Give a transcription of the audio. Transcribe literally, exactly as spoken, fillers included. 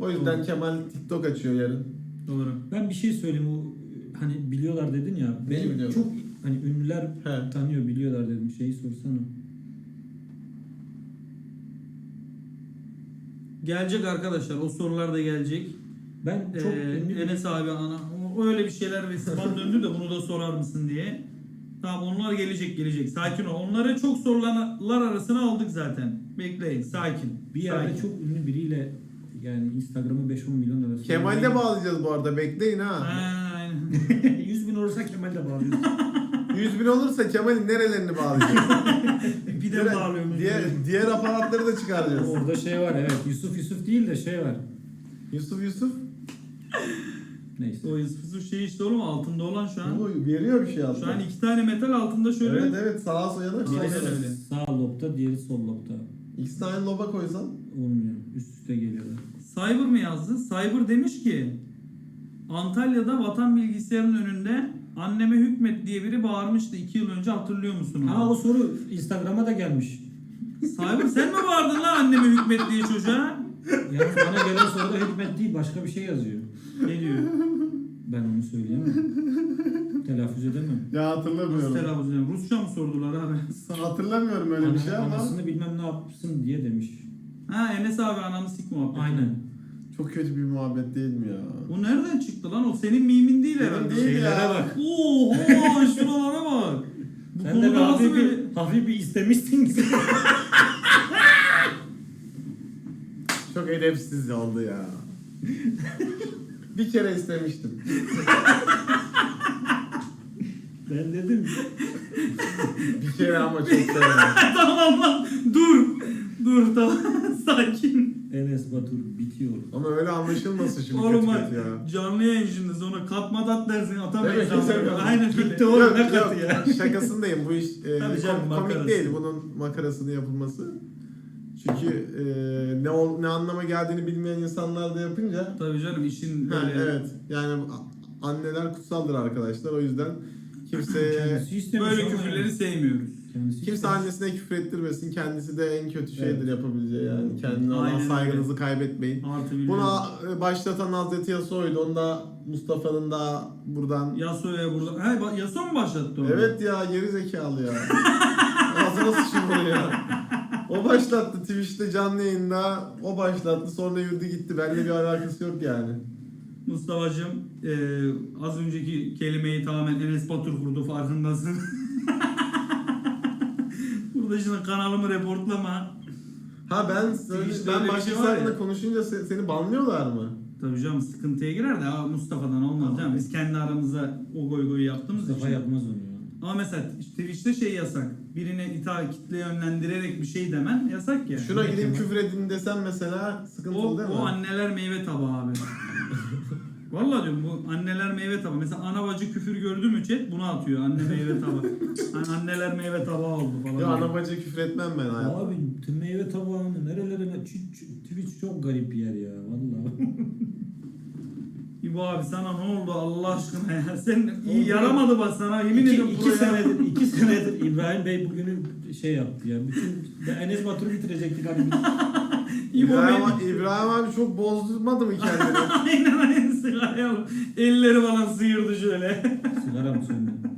O yüzden Doğru. Kemal TikTok açıyor yarın. Doğru. Ben bir şey söyleyeyim, o hani biliyorlar dedin ya. Neyi Beni biliyorlar? çok hani ünlüler He. tanıyor, biliyorlar dedim. Şeyi sorsana. Gelecek arkadaşlar. O sorular da gelecek. Ben çok Ee, ünlü bir- Enes abi ana o- öyle bir şeyler ve bana döndü de bunu da sorar mısın diye. Tamam, onlar gelecek gelecek. Sakin ol. Onları çok sorulanlar arasına aldık zaten. Bekleyin. Sakin. bir yerde Sakin. çok ünlü biriyle, yani Instagram'ı beş on milyon arası. Kemal'de bağlayacağız bu arada, bekleyin ha. Ha, aynen. yüz bin olursa Kemal'de bağlıyoruz. yüz bin olursa Kemal'in nerelerini bağlayacağız? Bir de bağlıyorum. Diğer, diğer aparatları da çıkaracağız. Orada şey var, evet. Yusuf Yusuf değil de şey var. Yusuf Yusuf. Neyse. O Yusuf şey işte oğlum, altında olan şu an. Bu veriyor bir şey aslında. Şu an iki tane metal altında şöyle. Evet evet, sağa sola da Aynen koysan. öyle. Sağ lobda, diğeri sol lobda. İkisi de aynı loba koysan. Olmuyor. Üst üste geliyorlar. Cyber mı yazdı? Cyber demiş ki Antalya'da Vatan Bilgisayarı'nın önünde anneme hükmet diye biri bağırmıştı iki yıl önce, hatırlıyor musun? Ha, o soru Instagram'a da gelmiş. Cyber sen mi bağırdın lan anneme hükmet diye çocuğa? Yalnız bana gelen soruda hükmet değil, başka bir şey yazıyor. Ne diyor? Ben onu söyleyemem. Telaffuz edemem. Ya Nasıl hatırlamıyorum. telaffuz ediyorum? Rusça mı sordular abi? Hatırlamıyorum öyle bir şey Ana- ama. Anasını bilmem ne yapsın diye demiş. Ha, Enes abi ananı sik muhabbeti. Aynen. Çok kötü bir muhabbet değil mi ya? Bu nereden çıktı lan? O senin mimin değil Benim herhalde. değil Şeylere ya. bak. Oha, şuralara bak. Bu Sen de bir konuda nasıl hafif böyle... bir, hafif bir istemişsin ki. Çok edepsiz oldu ya. Bir kere istemiştim. Ben dedim. Bir kere ama çok severim. Tamam lan, dur. Dur tamam, sakin. Enes Batur bitiyor. Ama öyle anlaşılmasın şimdi Oğlum kötü bak, kötü ya. canlı yayın şimdi, sonra katma tat dersin, atamayız. Evet, ama. güzel. Aynen öyle. Gitti oğlum, Yok, ne yok, katı ya. şakasındayım. Bu iş e, Tabii canım, kom- makarası. komik değil bunun makarasını yapılması. Çünkü e, ne ol, ne anlama geldiğini bilmeyen insanlar da yapınca. Tabii canım, işin Ha, böyle... evet. Yani a- anneler kutsaldır arkadaşlar. O yüzden kimseye Kendisi istemiş Böyle ama küfürleri yani. sevmiyoruz. Kendisi kimse istemiş. annesine küfür ettirmesin. Kendisi de en kötü şeydir Evet. yapabileceği yani. Evet. Kendine olan Aynen saygınızı kaybetmeyin. Artı biliyorum. Buna e, başlatan Hazreti Yasuo'ydu. Onu da Mustafa'nın da buradan. Yasuo'ya burada... Ha, ba- Yasuo mu başlattı onu? Evet ya, geri zekalı ya. Ağzına sıçın bunu ya. O başlattı Twitch'te canlı yayında. O başlattı, sonra yürüdü gitti. Benimle bir alakası yok yani. Mustafa'cığım, e, az önceki kelimeyi tamamen Enes Batur kurdu, farkındasın. Burada şimdi kanalımı reportlama. Ha ben söyle, Twitch'te ben öyle bir başkası şey var ya. hakkında konuşunca se- seni banlıyorlar mı? Tabii canım, sıkıntıya girer de "Aa, Mustafa'dan olmaz canım. Biz kendi aramızda o goy goyu yaptığımız Mustafa için. yapmaz onu ya. Ama mesela Twitch'te şey yasak. Birine ita kitle yönlendirerek bir şey demen yasak ya. Şuna Evet, gidip ama- küfür edin desem mesela sıkıntılı O, değil mi? o anneler meyve tabağı abi. Vallahi diyorum, bu anneler meyve tabağı. Mesela ana bacı küfür gördü mü chat bunu atıyor. Anne meyve tabağı. Hani anneler meyve tabağı oldu falan. Ya ana bacı küfür etmem ben hayatım. Abi tüm meyve tabağını nerelerine... Ç- ç- Twitch çok garip bir yer ya vallahi. İbo abi sana ne oldu Allah aşkına ya? Sen iyi Oldu. yaramadı bak sana, yemin iki, ediyorum. iki buraya- senedir, iki senedir İbrahim Bey bugünü şey yaptı ya. Bütün Enes Batur'u bitirecektik hani. İbo İbrahim, Bey- İbrahim abi çok bozdurmadı mı kendini? Aynen aynen, sigaraya bak. Elleri falan sıyırdı şöyle. Sigara mı söndü?